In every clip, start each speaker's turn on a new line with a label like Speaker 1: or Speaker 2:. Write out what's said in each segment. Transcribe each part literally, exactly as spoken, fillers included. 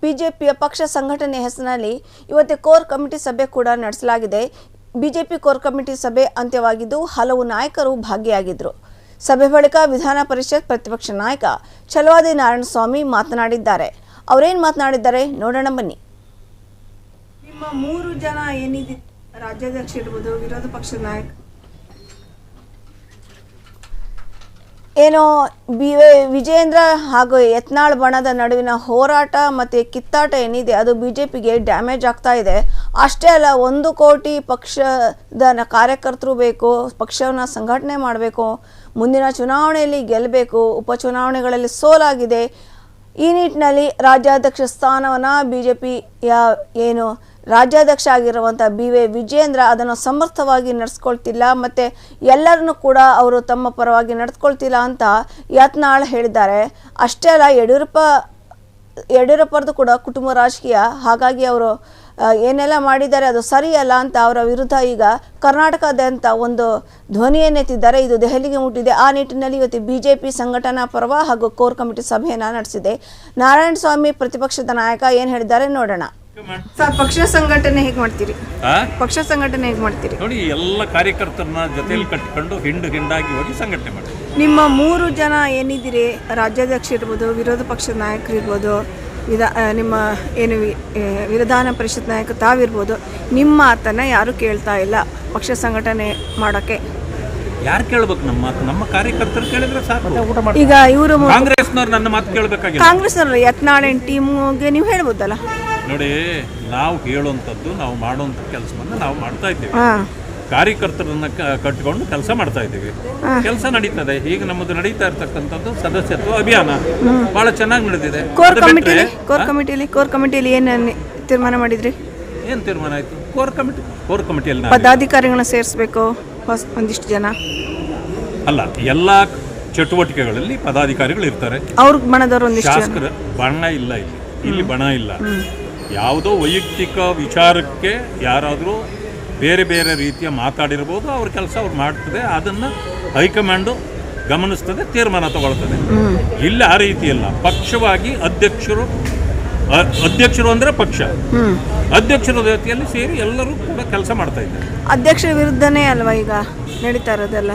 Speaker 1: ಬಿಜೆಪಿಯ ಪಕ್ಷ ಸಂಘಟನೆ ಹೆಸರಿನಲ್ಲಿ ಇವತ್ತು ಕೋರ್ ಕಮಿಟಿ ಸಭೆ ಕೂಡ ನಡೆಸಲಾಗಿದೆ. ಬಿಜೆಪಿ ಕೋರ್ ಕಮಿಟಿ ಸಭೆ ಅಂತ್ಯವಾಗಿದ್ದು ಹಲವು ನಾಯಕರು ಭಾಗಿಯಾಗಿದ್ದರು. ಸಭೆ ಬಳಿಕ ವಿಧಾನ ಪರಿಷತ್ ಪ್ರತಿಪಕ್ಷ ನಾಯಕ ಛಲವಾದಿ ನಾರಾಯಣಸ್ವಾಮಿ ಮಾತನಾಡಿದ್ದಾರೆ. ಅವರೇನು ಮಾತನಾಡಿದ್ದಾರೆ ನೋಡೋಣ ಬನ್ನಿ.
Speaker 2: ನಿಮ್ಮ ಮೂರು ಜನ ಏನಿದೆ ರಾಜ್ಯಾಧ್ಯಕ್ಷ ಇರ್ಬೋದು, ವಿರೋಧ ಪಕ್ಷದ ನಾಯಕ
Speaker 1: ಏನೋ ಬಿ ವಿಜೇಂದ್ರ ಹಾಗೂ ಯತ್ನಾಳ್ ಬಣದ ನಡುವಿನ ಹೋರಾಟ ಮತ್ತು ಕಿತ್ತಾಟ ಏನಿದೆ ಅದು ಬಿ ಜೆ ಪಿಗೆ ಡ್ಯಾಮೇಜ್ ಆಗ್ತಾ ಇದೆ. ಅಷ್ಟೇ ಅಲ್ಲ, ಒಂದು ಕೋಟಿ ಪಕ್ಷದ ಕಾರ್ಯಕರ್ತರು ಬೇಕು, ಪಕ್ಷವನ್ನು ಸಂಘಟನೆ ಮಾಡಬೇಕು, ಮುಂದಿನ ಚುನಾವಣೆಯಲ್ಲಿ ಗೆಲ್ಲಬೇಕು, ಉಪಚುನಾವಣೆಗಳಲ್ಲಿ ಸೋಲಾಗಿದೆ. ಈ ನಿಟ್ಟಿನಲ್ಲಿ ರಾಜ್ಯಾಧ್ಯಕ್ಷ ಸ್ಥಾನವನ್ನು ಬಿ ಜೆ ಪಿಯ ಏನು ರಾಜ್ಯಾಧ್ಯಕ್ಷ ಆಗಿರುವಂಥ ಬಿ ವೈ ವಿಜೇಂದ್ರ ಅದನ್ನು ಸಮರ್ಥವಾಗಿ ನಡೆಸ್ಕೊಳ್ತಿಲ್ಲ ಮತ್ತು ಎಲ್ಲರನ್ನೂ ಕೂಡ ಅವರು ತಮ್ಮ ಪರವಾಗಿ ನಡೆಸ್ಕೊಳ್ತಿಲ್ಲ ಅಂತ ಯತ್ನಾಳ್ ಹೇಳಿದ್ದಾರೆ. ಅಷ್ಟೇ ಅಲ್ಲ, ಯಡಿಯೂರಪ್ಪ ಯಡಿಯೂರಪ್ಪರದು ಕೂಡ ಕುಟುಂಬ ರಾಜಕೀಯ, ಹಾಗಾಗಿ ಅವರು ಏನೆಲ್ಲ ಮಾಡಿದ್ದಾರೆ ಅದು ಸರಿಯಲ್ಲ ಅಂತ ಅವರ ವಿರುದ್ಧ ಈಗ ಕರ್ನಾಟಕದಾದ್ಯಂತ ಒಂದು ಧ್ವನಿಯನ್ನೆತ್ತಿದ್ದಾರೆ. ಇದು ದೆಹಲಿಗೆ ಮುಟ್ಟಿದೆ. ಆ ನಿಟ್ಟಿನಲ್ಲಿ ಇವತ್ತು ಬಿ ಜೆ ಪಿ ಸಂಘಟನಾ ಪರ್ವ ಹಾಗೂ ಕೋರ್ ಕಮಿಟಿ ಸಭೆಯನ್ನು ನಡೆಸಿದೆ. ನಾರಾಯಣಸ್ವಾಮಿ ಪ್ರತಿಪಕ್ಷದ ನಾಯಕ ಏನು ಹೇಳಿದ್ದಾರೆ ನೋಡೋಣ.
Speaker 2: ಸರ್, ಪಕ್ಷ ಸಂಘಟನೆ ಹೇಗೆ ಮಾಡ್ತೀರಿ? ಪಕ್ಷ ಸಂಘಟನೆ ಹೇಗೆ ಮಾಡ್ತೀರಿ?
Speaker 3: ನೋಡಿ, ಎಲ್ಲ ಕಾರ್ಯಕರ್ತರನ್ನ ಜೊತೆಯಲ್ಲಿ ಕಟ್ಟಿಕೊಂಡು ಹಿಂಡು ಹಿಂಡಾಗಿ ಹೋಗಿ ಸಂಘಟನೆ ಮಾಡಿ.
Speaker 2: ನಿಮ್ಮ ಮೂರು ಜನ ಏನಿದ್ದೀರಿ, ರಾಜ್ಯಾಧ್ಯಕ್ಷ ಇರ್ಬೋದು, ವಿರೋಧ ಪಕ್ಷದ ನಾಯಕರು ಇರ್ಬೋದು, ವಿಧಾ ನಿಮ್ಮ ಏನು ವಿಧಾನ ಪರಿಷತ್ ನಾಯಕ ತಾವಿರ್ಬೋದು, ನಿಮ್ಮ ಮಾತನ್ನು ಯಾರು ಕೇಳ್ತಾ ಇಲ್ಲ ಪಕ್ಷ ಸಂಘಟನೆ ಮಾಡೋಕ್ಕೆ.
Speaker 3: ಯಾರು ಕೇಳ್ಬೇಕು ನಮ್ಮ ಮಾತು? ನಮ್ಮ ಕಾರ್ಯಕರ್ತರು ಕೇಳಿದ್ರೆ ಸಾಕು.
Speaker 2: ಈಗ ಇವರು
Speaker 3: ಕಾಂಗ್ರೆಸ್ನವ್ರು ನನ್ನ ಮಾತು ಕೇಳಬೇಕಾಗಿಲ್ಲ.
Speaker 2: ಕಾಂಗ್ರೆಸ್ನವರು ಯತ್ನಾಳ್ ಟೀಮ್ಗೆ ನೀವು ಹೇಳ್ಬೋದಲ್ಲ.
Speaker 3: ನೋಡಿ, ನಾವು ಹೇಳುವಂಥದ್ದು, ನಾವು ಮಾಡುವಂಥ ಕೆಲಸವನ್ನು ನಾವು ಮಾಡ್ತಾ ಇದ್ದೀವಿ. ಕಾರ್ಯಕರ್ತರನ್ನ ಕಟ್ಟಿಕೊಂಡು ಕೆಲಸ ಮಾಡ್ತಾ ಇದ್ದೀವಿ. ಕೆಲಸ ನಡೀತದೆ. ಈಗ ನಮ್ಮದು ನಡೀತಾ ಇರ್ತಕ್ಕಂಥದ್ದು ಸದಸ್ಯತ್ವ ಅಭಿಯಾನ ಬಹಳ ಚೆನ್ನಾಗಿ ನಡೆದಿದೆ.
Speaker 2: ಕೋರ್ ಕಮಿಟಿಲಿ ಕೋರ್ ಕಮಿಟಿಲಿ ಕೋರ್ ಕಮಿಟಿಲಿ ಏನು ತೀರ್ಮಾನ ಮಾಡಿದ್ರಿ?
Speaker 3: ಏನು ತೀರ್ಮಾನ ಆಯಿತು? ಕೋರ್ ಕಮಿಟಿ ಕೋರ್ ಕಮಿಟಿಯಲ್ಲಿ
Speaker 2: ಪದಾಧಿಕಾರಿಗಳನ್ನ ಸೇರಿಸಬೇಕು ಒಂದಿಷ್ಟು ಜನ.
Speaker 3: ಅಲ್ಲ, ಎಲ್ಲ ಚಟುವಟಿಕೆಗಳಲ್ಲಿ ಪದಾಧಿಕಾರಿಗಳು ಇರ್ತಾರೆ.
Speaker 2: ಅವ್ರ ಬಣದವರು ಒಂದಿಷ್ಟು
Speaker 3: ಶಾಸಕರ ಬಣ ಇಲ್ಲ ಇಲ್ಲಿ. ಇಲ್ಲಿ ಬಣ ಇಲ್ಲ. ಯಾವುದೋ ವೈಯಕ್ತಿಕ ವಿಚಾರಕ್ಕೆ ಯಾರಾದರೂ ಬೇರೆ ಬೇರೆ ರೀತಿಯ ಮಾತಾಡಿರ್ಬೋದು, ಅವ್ರ ಕೆಲಸ ಅವ್ರು ಮಾಡ್ತದೆ. ಅದನ್ನು ಹೈಕಮಾಂಡು ಗಮನಿಸ್ತದೆ, ತೀರ್ಮಾನ ತಗೊಳ್ತದೆ. ಇಲ್ಲಿ ಆ ರೀತಿ ಇಲ್ಲ. ಪಕ್ಷವಾಗಿ ಅಧ್ಯಕ್ಷರು ಅಧ್ಯಕ್ಷರು ಅಂದರೆ ಪಕ್ಷ, ಅಧ್ಯಕ್ಷರ ಜೊತೆಯಲ್ಲಿ ಸೇರಿ ಎಲ್ಲರೂ ಕೂಡ ಕೆಲಸ ಮಾಡ್ತಾ ಇದ್ದಾರೆ.
Speaker 2: ಅಧ್ಯಕ್ಷರ ವಿರುದ್ಧನೇ ಅಲ್ವಾ ಈಗ ನಡೀತಾ ಇರೋದೆಲ್ಲ?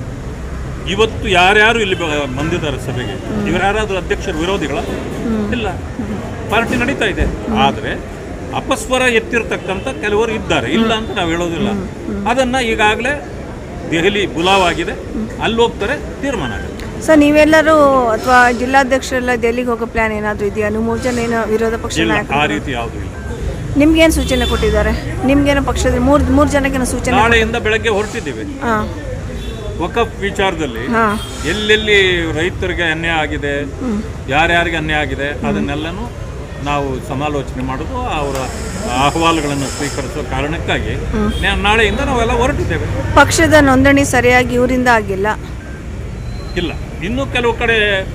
Speaker 3: ಇವತ್ತು ಯಾರ್ಯಾರು ಇಲ್ಲಿ ಬಂದಿದ್ದಾರೆ ಸಭೆಗೆ, ಇವರು ಯಾರಾದರೂ ಅಧ್ಯಕ್ಷರ ವಿರೋಧಿಗಳ? ಇಲ್ಲ. ಪಾರ್ಟಿ ನಡೀತಾ ಇದೆ. ಆದರೆ ಅಪಸ್ವರ ಎತ್ತಿರ್ತಕ್ಕಂಥ ಕೆಲವರು ಇದ್ದಾರೆ, ಇಲ್ಲ ಅಂತ ನಾವು ಹೇಳೋದಿಲ್ಲ. ಅದನ್ನು ಈಗಾಗಲೇ ದೆಹಲಿ ಬುಲಾವಾಗಿದೆ, ಅಲ್ಲಿ ಹೋಗ್ತಾರೆ, ತೀರ್ಮಾನ ಆಗುತ್ತೆ.
Speaker 2: ಸರ್, ನೀವೆಲ್ಲರೂ ಅಥವಾ ಜಿಲ್ಲಾಧ್ಯಕ್ಷರೆಲ್ಲ ದೆಹಲಿಗೆ ಹೋಗೋ ಪ್ಲಾನ್ ಏನಾದರೂ ಇದೆಯಾ? ನೀವು ಮೂರು ಜನ ಏನೋ ವಿರೋಧ ಪಕ್ಷ ನಾಯಕರು?
Speaker 3: ಆ ರೀತಿ ಯಾವುದೂ ಇಲ್ಲ.
Speaker 2: ನಿಮ್ಗೇನು ಸೂಚನೆ ಕೊಟ್ಟಿದ್ದಾರೆ? ನಿಮ್ಗೇನೋ ಪಕ್ಷದ ಮೂರು ಮೂರು ಜನಕ್ಕೇನೋ ಸೂಚನೆ?
Speaker 3: ನಾಳೆಯಿಂದ ಬೆಳಗ್ಗೆ ಹೊರಟಿದ್ದೀವಿ.
Speaker 2: ಹಾಂ,
Speaker 3: ವಕಫ್ ವಿಚಾರದಲ್ಲಿ ಎಲ್ಲೆಲ್ಲಿ ರೈತರಿಗೆ ಅನ್ಯಾಯ ಆಗಿದೆ, ಯಾರ್ಯಾರಿಗೆ ಅನ್ಯಾಯ ಆಗಿದೆ, ಅದನ್ನೆಲ್ಲನೂ ನಾವು ಸಮಾಲೋಚನೆ ಮಾಡೋದು, ಅವರ ಅಹವಾಲುಗಳನ್ನು ಸ್ವೀಕರಿಸುವ ಕಾರಣಕ್ಕಾಗಿ ನಾಳೆಯಿಂದ ನಾವೆಲ್ಲ ಹೊರಟಿದ್ದೇವೆ.
Speaker 2: ಪಕ್ಷದ ನೋಂದಣಿ ಸರಿಯಾಗಿ ಇವರಿಂದ ಆಗಿಲ್ಲ?
Speaker 3: ಇಲ್ಲ, ಇನ್ನೂ ಕೆಲವು ಕಡೆ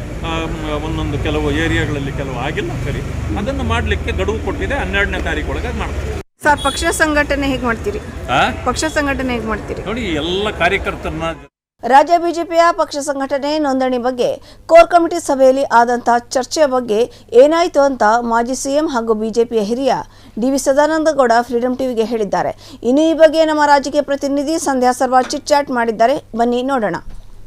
Speaker 3: ಒಂದೊಂದು ಕೆಲವು ಏರಿಯಾಗಳಲ್ಲಿ ಕೆಲವು ಆಗಿಲ್ಲ. ಸರಿ, ಅದನ್ನು ಮಾಡಲಿಕ್ಕೆ ಗಡುವು ಕೊಟ್ಟಿದೆ. ಹನ್ನೆರಡನೇ ತಾರೀಕು ಒಳಗೆ ಮಾಡ್ತೀವಿ.
Speaker 2: ಸರ್, ಪಕ್ಷ ಸಂಘಟನೆ ಹೇಗೆ ಮಾಡ್ತೀರಿ? ಪಕ್ಷ ಸಂಘಟನೆ ಹೇಗೆ ಮಾಡ್ತೀರಿ?
Speaker 3: ನೋಡಿ, ಎಲ್ಲ ಕಾರ್ಯಕರ್ತರನ್ನ
Speaker 1: ರಾಜ್ಯ ಬಿಜೆಪಿಯ ಪಕ್ಷ ಸಂಘಟನೆ ನೋಂದಣಿ ಬಗ್ಗೆ ಕೋರ್ ಕಮಿಟಿ ಸಭೆಯಲ್ಲಿ ಆದಂತಹ ಚರ್ಚೆಯ ಬಗ್ಗೆ ಏನಾಯಿತು ಅಂತ ಮಾಜಿ ಸಿಎಂ ಹಾಗೂ ಬಿಜೆಪಿಯ ಹಿರಿಯ ಡಿ ವಿ ಸದಾನಂದಗೌಡ ಫ್ರೀಡಂ ಟಿವಿಗೆ ಹೇಳಿದ್ದಾರೆ. ಇನ್ನು ಈ ಬಗ್ಗೆ ನಮ್ಮ ರಾಜಕೀಯ ಪ್ರತಿನಿಧಿ ಸಂಧ್ಯಾ ಸರ್ವಾ ಚಿಟ್ ಚಾಟ್ ಮಾಡಿದ್ದಾರೆ. ಬನ್ನಿ ನೋಡೋಣ.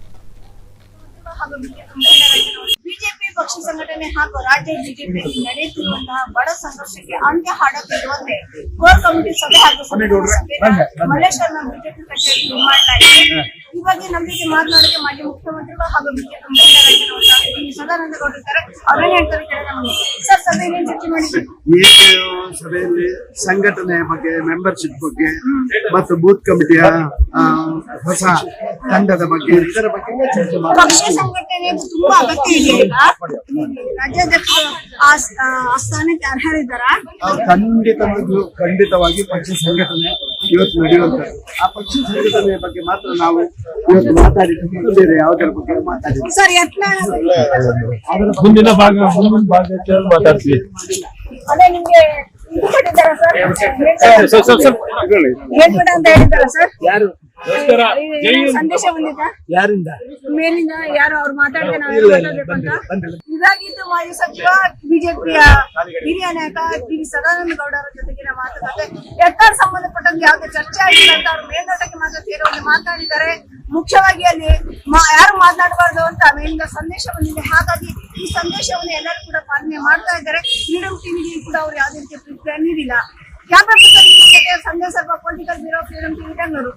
Speaker 4: ಬಿಜೆಪಿ ಪಕ್ಷ ಸಂಘಟನೆ ಹಾಗೂ ರಾಜ್ಯ ಬಿಜೆಪಿ ನಡೆಯುತ್ತಿರುವಂತಹ ಬಡ ಸಂಘರ್ಷಕ್ಕೆ ಅಂತ್ಯ ಹಾಡುತ್ತಿರುವಂತೆ ಕೋರ್ ಕಮಿಟಿ ಸಭೆ ಹಾಗೂ ಮಲ್ಲೇಶ್ವರದ ಬಿಜೆಪಿ ಕಚೇರಿ ಮಾಡಲಾಗಿದೆ. ಈ ಬಗ್ಗೆ ನಮ್ಮ ಜೊತೆ ಮಾತನಾಡಿದ ಮಾಜಿ ಮುಖ್ಯಮಂತ್ರಿಗಳು ಹಾಗೂ ಬಿಜೆಪಿ ಮುಖಂಡರಾಗಿರುವಂತಹ ಸದಾನಂದಗೌಡ ಇದ್ದಾರೆ. ಅವರೇನು ಹೇಳ್ತಾರೆ ಕೇಳೋಣ. ಸರ್, ಸಭೆಯಲ್ಲಿ ಏನ್ ಚರ್ಚೆ ಮಾಡಿದ್ರು?
Speaker 5: ಈ ಸಭೆಯಲ್ಲಿ ಸಂಘಟನೆಯ ಬಗ್ಗೆ, ಮೆಂಬರ್ಶಿಪ್ ಬಗ್ಗೆ ಮತ್ತು ಬೂತ್ ಕಮಿಟಿಯ ಹೊಸ ತಂಡದ ಬಗ್ಗೆ, ಇದರ ಬಗ್ಗೆ ಚರ್ಚೆ ಮಾಡಿ.
Speaker 4: ಪಕ್ಷ ಸಂಘಟನೆ ತುಂಬಾ ಅಗತ್ಯ ಇದೆ. ರಾಜ್ಯಾಧ್ಯಕ್ಷ ಆ ಸ್ಥಾನಕ್ಕೆ ಅರ್ಹರಿದ್ದಾರ?
Speaker 5: ಖಂಡಿತ ಖಂಡಿತವಾಗಿ ಪಕ್ಷ ಸಂಘಟನೆ ಇವತ್ತು ನಡೆಯುವಂತದ್ದು. ಆ ಪಕ್ಷ ಸಂಘಟನೆಯ ಬಗ್ಗೆ ಮಾತ್ರ ನಾವು ಇವತ್ತು ಮಾತಾಡಿದ್ದು, ಬೇರೆ ಯಾವುದರ ಬಗ್ಗೆ ಮಾತಾಡಿದ್ವಿ.
Speaker 4: ಸರ್, ಯತ್ನಾಳ್
Speaker 5: ಮುಂದಿನ ಭಾಗ ಮುಂದಿನ ಭಾಗ ಮಾತಾಡ್ತೀವಿ.
Speaker 4: ಅದೇ ನಿಮ್ಗೆ ಇದು ಕೊಟ್ಟಿದ್ದಾರಾ ಸರ್? ಹೇಳ್ಬಿಡ ಅಂತ ಹೇಳಿದ್ದಾರಾ ಸರ್?
Speaker 5: ಯಾರು
Speaker 4: ಏನಾದ್ರು ಸಂದೇಶ ಬಂದಿದ್ದ
Speaker 5: ಯಾರಿಂದ
Speaker 4: ಮೇಲಿಂದ ಯಾರು ಅವ್ರು ಮಾತಾಡಿದ್ರೆ ನಾವೆಲ್ಲ ಮಾತಾಡ್ಬೇಕು ಅಂತ ಇದಾಗಿದ್ದು ಮಾಜಿ ಸಚಿವ ಬಿಜೆಪಿಯ ಹಿರಿಯ ನಾಯಕ ಡಿ ವಿ ಸದಾನಂದ ಗೌಡರ ಜೊತೆಗಿನ ಮಾತುಕತೆ ಎತ್ತಾರ್ ಸಂಬಂಧಪಟ್ಟಂಗೆ ಯಾವುದೇ ಚರ್ಚೆ ಆಗಿಲ್ಲ ಅಂತ ಅವ್ರು ಮೇಲ್ನೋಟಕ್ಕೆ ಮಾತ್ರ ಸೇರುವಂತೆ ಮಾತನಾಡಿದ್ದಾರೆ. ಮುಖ್ಯವಾಗಿ ಅಲ್ಲಿ ಯಾರು ಮಾತನಾಡಬಾರ್ದು ಅಂತ ಮೇಲಿಂದ ಸಂದೇಶ ಬಂದಿದೆ. ಹಾಗಾಗಿ ಈ ಸಂದೇಶವನ್ನು ಎಲ್ಲರೂ ಕೂಡ ಪಾಲನೆ ಮಾಡ್ತಾ ಇದ್ದಾರೆ. ಫ್ರೀಡಂ ಟಿವಿಗೆ ಕೂಡ ಅವ್ರು ಯಾವುದೇ ರೀತಿಯ ಪ್ರತಿಕ್ರಿಯೆ ನೀಡಿಲ್ಲ. Camera person Sandesh political bureau freedom TV Bengaluru.